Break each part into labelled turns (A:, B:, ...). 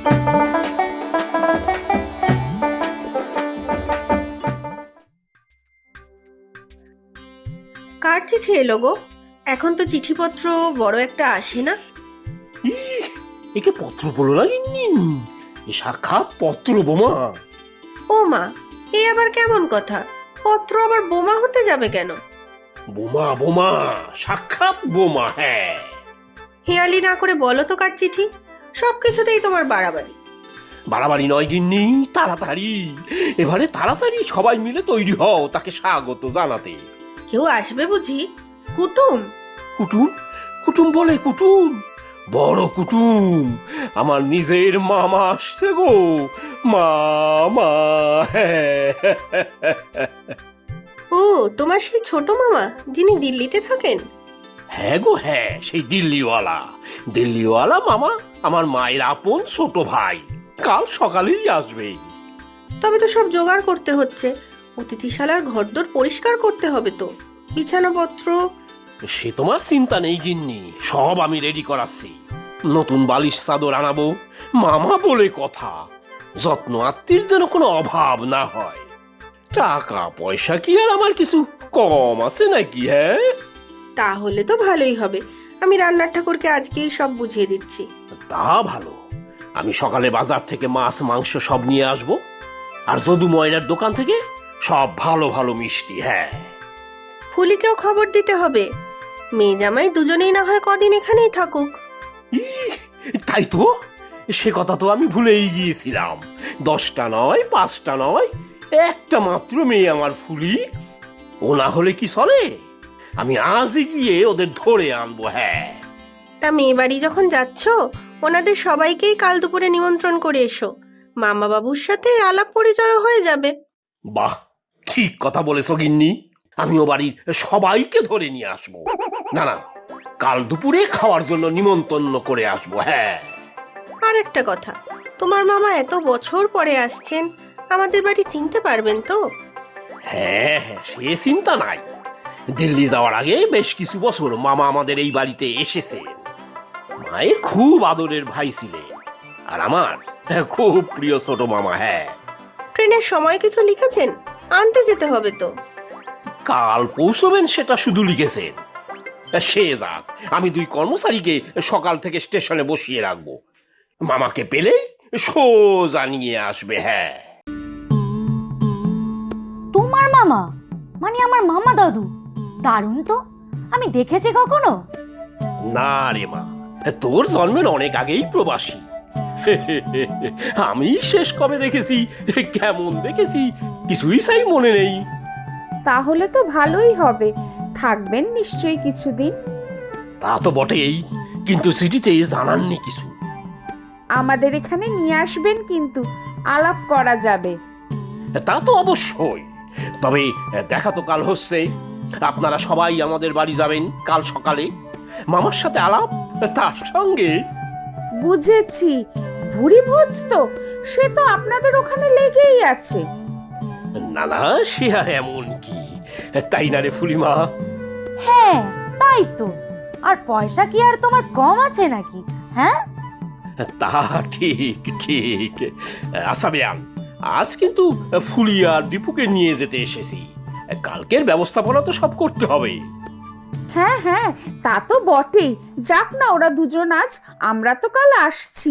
A: কার চিঠি এলো গো? এখন তো চিঠিপত্র বড় একটা আসে না।
B: একে পত্র বলো লাগেনি, এ সাক্ষাৎ পত্র বোমা।
A: ও মা, এ আবার কেমন কথা? পত্র আবার বোমা হতে যাবে কেন?
B: বোমা বোমা, সাক্ষাৎ বোমা। হ্যাঁ,
A: হেয়ালি না করে বলো তো কার চিঠি। সবকিছুতেই তোমার বাড়াবাড়ি।
B: বাড়াবাড়ি নয় গিন্নি, তাড়াতাড়ি। এবারে তাড়াতাড়ি সবাই মিলে তৈরি হও তাকে স্বাগত জানাতে।
A: কেউ আসবে বুঝি? কুটুম?
B: কুটুম? কুটুম বলে কুটুম? বড় কুটুম, আমার নিজের মামা আসছে গো। মামা।
A: ও, তোমার সেই ছোট মামা যিনি দিল্লিতে থাকেন?
B: হ্যাঁ গো হ্যাঁ, সেই দিল্লিওয়ালা মামা আমার মায়ের আপন ছোট ভাই। কাল সকালেই আসবে।
A: তবে তো সব জোগাড় করতে হচ্ছে। অতিথিশালার ঘরদোর পরিষ্কার করতে হবে তো, বিছানাপত্র।
B: সে তোমার চিন্তা নেই গিন্নি, সব আমি রেডি করাচ্ছি। নতুন বালিশ চাদর আনাবো, মামা বলে কথা। যত্ন আত্মীর যেন কোনো অভাব না হয়। টাকা পয়সা কি আর আমার কিছু কম আছে নাকি? হ্যাঁ,
A: তাহলে তো ভালোই হবে। আমি রান্নার ঠাকুরকে আজকেই সব বুঝিয়ে দিচ্ছি।
B: তা ভালো। আমি সকালে বাজার থেকে মাছ মাংস সব নিয়ে আসবো, আর যদু ময়নার দোকান থেকে সব ভালো ভালো মিষ্টি। হ্যাঁ,
A: ফুলিকেও খবর দিতে হবে। মেয়ে জামাই দুজনেই না হয় কদিন এখানেই থাকুক।
B: তাই তো, সে কথা তো আমি ভুলেই গিয়েছিলাম। 10টা নয়, 5টা নয়, একটা মাত্র মেয়ে আমার ফুলি। ও না হলে কি চলে? আমি আজই গিয়ে ওদের ধরে আনবো। হ্যাঁ,
A: তা মেয়ে বাড়ি যখন যাচ্ছ, ওনাদের সবাইকেই কাল দুপুরে নিমন্ত্রণ করে এসো। মামা বাবুর সাথে আলাপ পরিচয় হয়ে যাবে।
B: বাহ, ঠিক কথা বলেছ গিন্নি। আমিও বাড়ির সবাইকে ধরে নিয়ে আসবো। না না, কাল দুপুরে খাওয়ার জন্য নিমন্ত্রণ করে আসবো। হ্যাঁ,
A: আর একটা কথা, তোমার মামা এত বছর পরে আসছেন, আমাদের বাড়ি চিনতে পারবেন তো?
B: হ্যাঁ হ্যাঁ, সে চিন্তা নাই। দিল্লি যাওয়ার আগে বেশ কিছু বছর মামা আমাদের এই বাড়িতে এসেছে। মায়ের খুব আদরের ভাই ছিলেন, আর আমার খুব প্রিয় ছোট মামা। হ্যাঁ,
A: ট্রেনের সময় কিছু লিখেছেন? আনতে যেতে হবে তো।
B: কাল পৌঁছবেন সেটা শুধু লিখেছেন। সে যাক, আমি 2 কর্মচারীকে সকাল থেকে স্টেশনে বসিয়ে রাখবো। মামাকে পেলেই সোজা নিয়ে আসবে। হ্যাঁ,
C: তোমার মামা মানে আমার মামা দাদু? দারুণ তো, আমি দেখেছি কখনো?
B: না রে মা, তোর জন্মের অনেক আগেই প্রবাসী। আমি শেষ কবে দেখেছি, কেমন দেখেছি, কিছুই সাই মনে নেই।
D: তাহলে তো ভালোই হবে, থাকবেন নিশ্চয়ই কিছুদিন।
B: তা তো বটেই, কিন্তু চিঠিতে জানাননি কিছু।
D: আমাদের এখানে নিয়ে আসবেন, কিন্তু আলাপ করা যাবে।
B: তা তো অবশ্যই। তবে দেখা তো কাল হচ্ছে। আপনারা সবাই আমাদের বাড়ি যাবেন কাল সকালে। মামার সাথে আলাপ, তার সঙ্গে।
D: বুঝেছি, ভুরি ভোজ তো, সে তো আপনাদের ওখানে লেগেই আছে।
B: না না, সে আর এমন কি, তাই না রে ফুলিমা?
C: হ্যাঁ, তাই তো। আর পয়সা কি আর তোমার কম আছে নাকি? হ্যাঁ,
B: তা ঠিক ঠিক। আচ্ছা বেয়ান, আজ কিন্তু ফুলি আর দীপুকে নিয়ে যেতে এসেছি। কালকের ব্যবস্থাপনা তো সব করতে হবে।
D: হ্যাঁ হ্যাঁ, তা তো বটেই। যাক না ওরা দুজন আজ, আমরা তো কাল আসছি।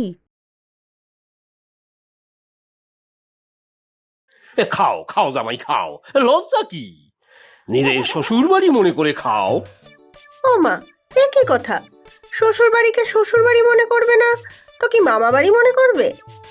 B: খাও খাও জামাই খাও, লজ্জা কি? নিজের শ্বশুর বাড়ি মনে করে খাও।
A: ও মা, এ কি কথা? শ্বশুর বাড়িকে শ্বশুর বাড়ি মনে করবে না তো কি মামা বাড়ি মনে করবে?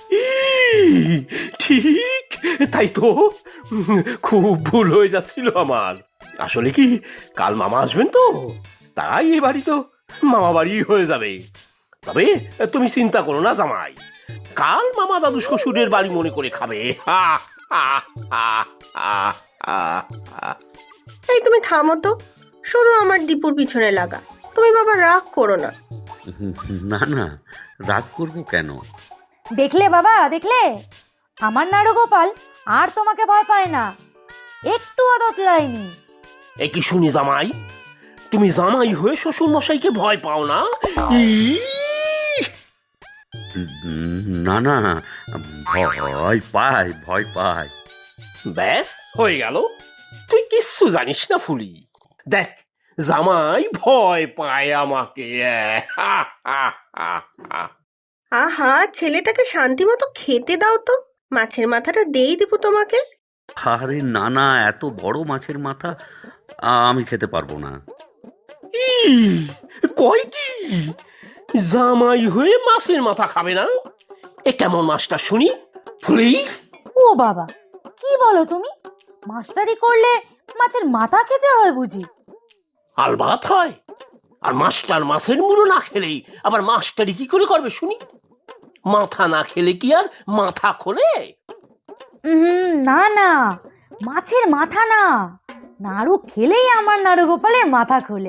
B: ঠিক, তাই তো। খুব ভুল হয়ে যাচ্ছিল আমার। আসলে কি, কাল মামা আসবেন তো, তাই এ বাড়ি তো মামা বাড়ি হয়ে যাবে। তবে তুমি চিন্তা করো না জামাই, কাল মামা দাদু শ্বশুরের বাড়ি মনে করে খাবে। হা হা হা হা হা হা।
A: এই তুমি থামো তো, শুধু আমার দীপুর পিছনে লাগা। তুমি বাবা রাগ করো না।
E: না না, রাগ করবো কেন?
C: দেখলে বাবা, দেখলে? আমার নাড়ুগোপাল আর তোমাকে ভয় পায় না, একটু আদতলায়নি।
B: এ কি শুনি জামাই, তুমি জামাই হয়ে শ্বশুর মশাইকে ভয় পাও না?
E: না না, ভয় পায়, ভয় পায়।
B: ব্যাস হয়ে গেল। তুই কিচ্ছু জানিস না ফুলি। দেখ, জামাই ভয় পায় আমাকে। হা, হা, হা, হা।
A: আহা, ছেলেটাকে শান্তি মতো খেতে দাও তো। মাছের মাথাটা দেই দেবো তোমাকে।
E: আরে না না, এত বড় মাছের মাথা আমি খেতে পারবো না।
B: ই, কয় কি জামাই হয়ে মাছের মাথা খাবে না? এ কেমন মাছটা শুনি ফুলি?
C: ও বাবা, কি বলো তুমি? মাস্টারি করলে মাছের মাথা খেতে হয় বুঝি?
B: আলবাত হয়। আর মাস্টার মাছের মুড়ো না খেলেই আবার মাস্টারি কি করে করবে শুনি? মাথা না খেলে কি আর মাথা খোলে?
C: না না, মাছের মাথা না, নাড়ু খেলেই আমার নাড়ু গোপালের মাথা খোলে।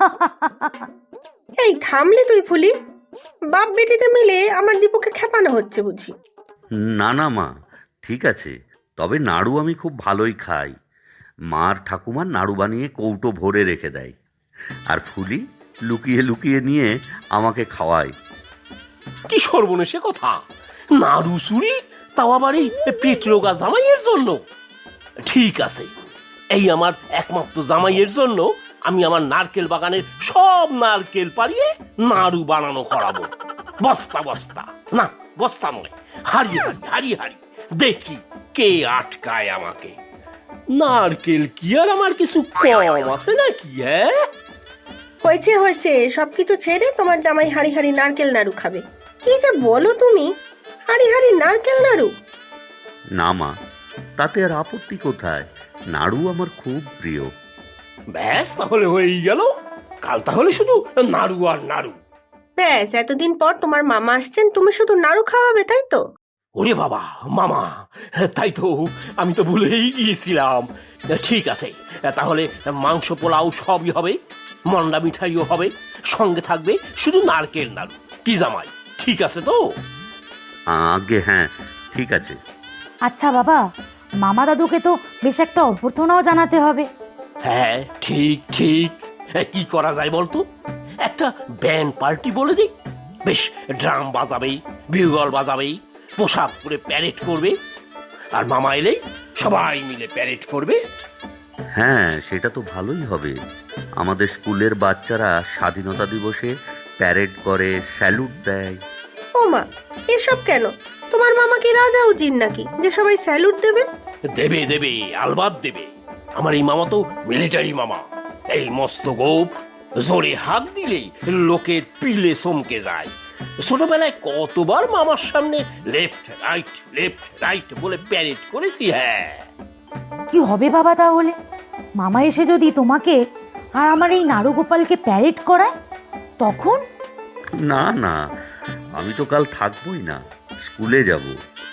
A: এই থামলে তুই ফুলি? বাপ বেটিতে মিলে আমার দীপুকে খেপানো হচ্ছে বুঝি।
E: না না মা, ঠিক আছে, তবে নাড়ু আমি খুব ভালোই খাই। মার ঠাকুমার নাড়ু বানিয়ে কৌটো ভরে রেখে দেয়, আর ফুলি লুকিয়ে লুকিয়ে নিয়ে আমাকে খাওয়ায়।
B: কি সর্বনেশে কথা! নাড়ু চুরি, তাও আবার এই পেট রোগা জামাইয়ের জন্য? ঠিক আছে, এই আমার একমাত্র জামাইয়ের জন্য আমি আমার নারকেল বাগানের সব নারকেল পাড়িয়ে নাড়ু বানানো করাবো। বস্তা বস্তা, না বস্তা নয়, হাড়ি হাড়ি হাড়ি হাড়ি, দেখি কে আটকায় আমাকে। নারকেল কি আর আমার কিছু কম আছে নাকি? হ্যাঁ,
A: হয়েছে হয়েছে, সবকিছু ছেড়ে তোমার জামাই হাড়ি হাড়ি নারকেল নাড়ু খাবে। কি যে বলো তুমি, হাড়ি হাড়ি নারকেল নাড়ু?
E: না মা, তাতে আর আপত্তি কোথায়? নাড়ু আমার খুব প্রিয়।
B: ব্যাস তাহলে হয়েই গেল। কাল তাহলে শুধু নাড়ু আর নাড়ু।
A: ব্যাস, এতদিন পর তোমার মামা আসছেন, তুমি শুধু নাড়ু খাওয়াবে, তাই তো?
B: ওরে বাবা, মামা! তাই তো, আমি তো ভুলেই গিয়েছিলাম। ঠিক আছে, তাহলে মাংস পোলাও সবই হবে, মন্ডা মিঠাইও হবে, সঙ্গে থাকবে শুধু নারকেল নাড়ু। কি জামাই, ঠিক আছে তো?
E: আগে হ্যাঁ, ঠিক আছে।
C: আচ্ছা বাবা, মামা দাদুকে তো বেশ একটা অভ্যর্থনাও জানাতে হবে।
B: হ্যাঁ, ঠিক ঠিক। কি করা যায় বলতো? একটা ব্যান্ড পার্টি বলে দিই। বেশ ড্রাম বাজাবে, বিউগল বাজাবে, পোশাক পরে প্যারেড করবে, আর মামা এলেই সবাই মিলে প্যারেড করবে।
E: হ্যাঁ, সেটা তো ভালোই হবে। আমাদের স্কুলের বাচ্চারা স্বাধীনতা দিবসে প্যারেড করে, স্যালুট দেয়।
A: ও মা, এসব কেন? তোমার মামা কি রাজা উজির নাকি যে সবাই স্যালুট দেবে?
B: দেবে দেবে, আলবাত দেবে। আমার এই মামা তো মিলিটারি মামা। এই মস্ত গোপ, জোরে হাত দিলেই লোকের পিলে চমকে যায়। ছোটবেলায় কতবার মামার সামনে লেফট রাইট বলে প্যারেড করেছি। হ্যাঁ,
C: কি হবে বাবা তাহলে? মামা এসে যদি তোমাকে আর আমার এই নাড়ু গোপালকে প্যারেড করায়, তখন?
E: না না, আমি তো কাল থাকবোই না, স্কুলে যাব।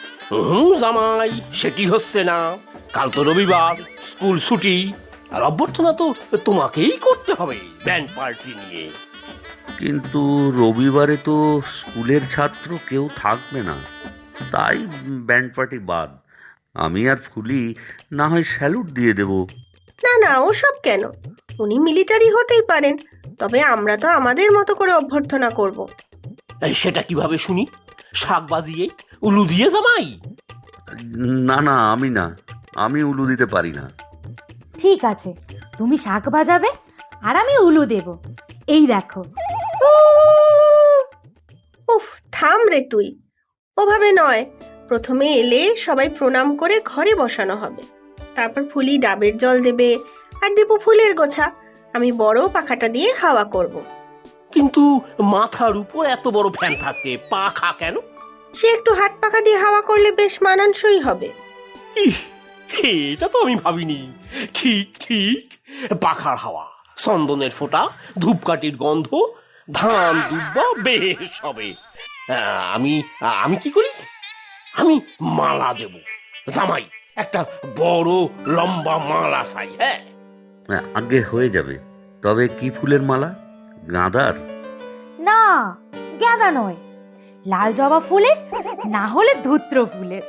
B: জামাই, সেটি হচ্ছে না। কাল তো রবিবার, স্কুল ছুটি, আর অভ্যর্থনা তো তোমাকেই করতে হবে ব্যান্ড পার্টি নিয়ে।
E: কিন্তু রবিবারে তো স্কুলের ছাত্র কেউ থাকবে না, তাই ব্যান্ড পার্টি বাদ। আমি আর ফুলি না হয় স্যালুট দিয়ে দেব।
A: না না, ওসব কেন? উনি মিলিটারি হতেই পারেন, তবে আমরা তো আমাদের মতো করে অভ্যর্থনা করব।
B: সেটা কিভাবে শুনি? শাক বাজিয়ে, উলু দিয়ে জামাই?
E: না না, আমি উলু দিতে পারি না।
C: ঠিক আছে, তুমি শাক বাজাবে আর আমি উলু দেব। এই দেখো।
A: উফ, থাম রে তুই। ওভাবে নয়, প্রথমে এলে সবাই প্রণাম করে ঘরে বসানো হবে, তারপর ফুলি ডাবের জল দেবে, আর দেবো ফুলের গোছা। আমি বড় পাখাটা দিয়ে হাওয়া করব।
B: কিন্তু মাথার উপর এত বড় ফ্যান থাকতে পাখা কেন?
A: সে একটু হাত পাখা দিয়ে হাওয়া করলে বেশ মানানসই হবে।
B: ইহ, এটা তো আমি ভাবিনি। ঠিক ঠিক, পাখার হাওয়া, চন্দনের ফোঁটা, ধূপকাঠির গন্ধ, ধান দুব্বা বেশ হবে। আমি আমি কি করি? আমি মালা দেব। জামাই, একটা বড় লম্বা মালা চাই। হ্যাঁ,
E: আগে হয়ে যাবে, তবে কি ফুলের মালা? গাঁদার?
C: না, গাঁদা নয়, লাল জবা ফুলের, না হলে ধূত্র ফুলের।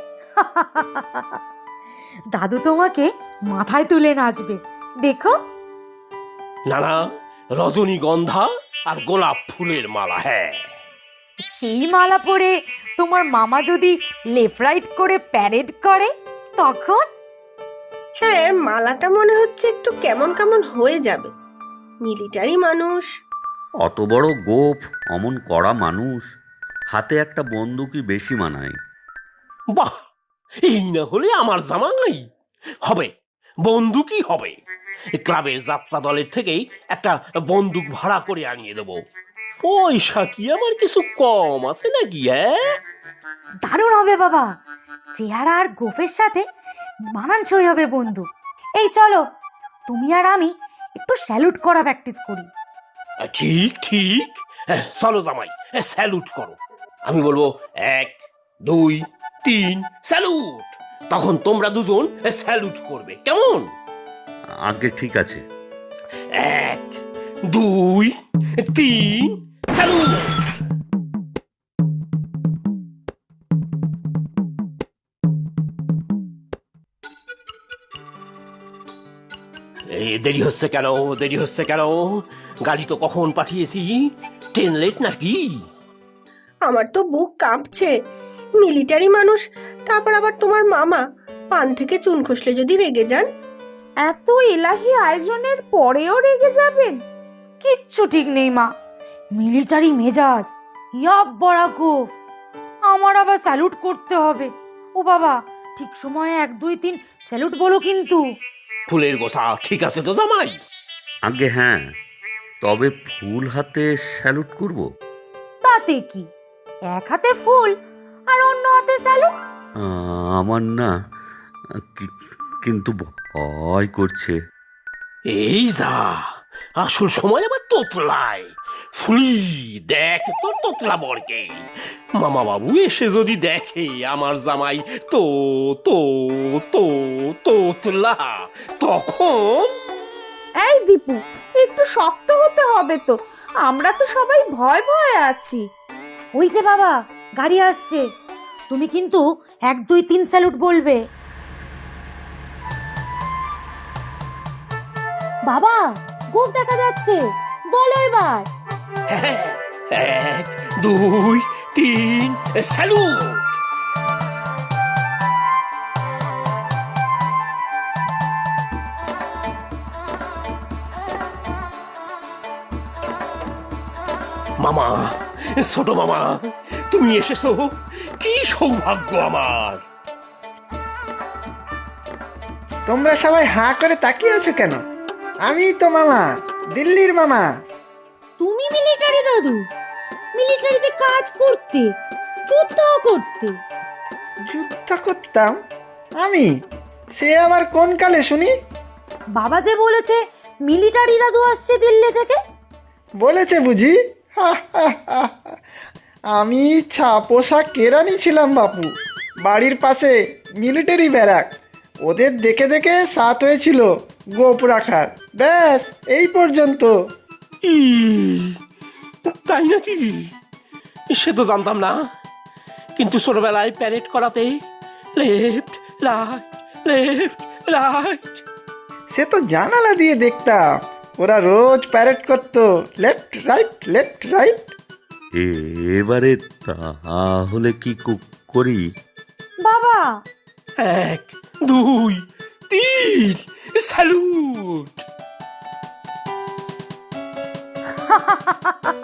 C: দাদু তোমাকে মাথায় তুলে নাচবে, দেখো।
B: না না, রজনীগন্ধা আর গোলাপ ফুলের মালা। হ্যাঁ,
C: সেই মালা পরে তোমার মামা যদি লেফট রাইট করে প্যারেড করে তখন?
A: হ্যাঁ, মালাটা মনে হচ্ছে একটু কেমন কেমন হয়ে যাবে। মিলিটারি মানুষ।
E: অত বড় গোঁফ, অমন কড়া মানুষ, হাতে একটা বন্দুকই বেশি মানায়।
B: বাহ, এই না হলে আমার জামাই হবে, বন্দুকই হবে। ক্লাবের যাত্রা দলের থেকেই একটা বন্দুক ভাড়া করে আনিয়ে দেবো। পয়সা কি আমার কিছু কম আছে নাকি? হ্যাঁ,
C: দারুণ হবে বাবা, চেহারা আর গোফের সাথে মানানসই হবে বন্ধু। এই চলো, তুমি আর আমি একটু স্যালুট করা প্র্যাকটিস করি।
B: ঠিক ঠিক। চলো জামাই, স্যালুট করো। আমি বলবো 1 2 3 স্যালুট, তখন তোমরা দুজন স্যালুট করবে, কেমন?
E: আগে ঠিক আছে।
B: 1 2 3 স্যালুট। দেরি হচ্ছে কেন, দেরি হচ্ছে কেন? গাড়ি তো কখন পাঠিয়েছি, ট্রেন লেট নাকি?
A: আমার তো বুক কাঁপছে। মিলিটারি মানুষ, তারপর আবার তোমার মামা পান থেকে চুন খসলে যদি রেগে যান।
D: এত এলাহি আয়োজনের পরেও রেগে যাবেন?
C: কিচ্ছু ঠিক নেই মা, মিলিটারি মেজাজ, ইয়াব বড়া গোফ, আমার আবার স্যালুট করতে হবে। ও বাবা, ঠিক সময়ে 1 2 3 স্যালুট বলো কিন্তু।
B: ফুলের গোছা ঠিক আছে তো জামাই?
E: আগে হ্যাঁ, তবে ফুল হাতে স্যালুট করব?
C: তাতে কি, এক হাতে ফুল আর অন্য হাতে স্যালুট।
E: আমার না, কিন্তু ভয় করছে।
B: এই যা, আসল সময় আবার তোতলায়। ফুলি দেখ তোর তোতলা বরকে। মামা বাবু এসে যদি দেখে আমার জামাই তো তো তো তোতলা, তখন?
D: এই দীপু, একটু শক্ত হতে হবে তো, আমরা তো সবাই ভয় ভয়ে আছি।
C: ওই যে বাবা, গাড়ি আসছে, তুমি কিন্তু 1 2 3 স্যালুট বলবে। বাবা, গোফ দেখা যাচ্ছে, বলো এবার।
B: হ্যাঁ, 1 2 3 স্যালুট। মামা, ছোট মামা, তুমি এসেছো, কি সৌভাগ্য আমার।
F: তোমরা সবাই হাঁ করে তাকিয়ে আছো কেন? আমি তো মামা, দিল্লির মামা।
C: তুমি মিলিটারি দাদু, মিলিটারিতে কাজ করতে, যুদ্ধ করতে?
F: যুদ্ধ করতাম আমি? সে আবার কোন কালে শুনি?
C: বাবা যে বলেছে মিলিটারি দাদু আসছে দিল্লি থেকে।
F: বলেছে বুঝি? হা, হা, হা, হা। আমি পোশাক কেরানি ছিলাম বাপু, বাড়ির পাশে মিলিটারি ব্যারাক। ওদের দেখে দেখে সাত হয়েছিল গোপ রাখার। ব্যাস এই পর্যন্ত।
B: ই, তাই নাকি? সে তো জানতাম না। কিন্তু ছোটবেলায় প্যারেড করাতে লেফট রাইট, লেফট রাইট।
F: সে তো জানালা দিয়ে দেখতাম, ওরা রোজ প্যারেড করতো, লেফট রাইট লেফট রাইট।
E: এবারে তাহলে কি করি?
C: বাবা,
B: 1 2 3 স্যালুট।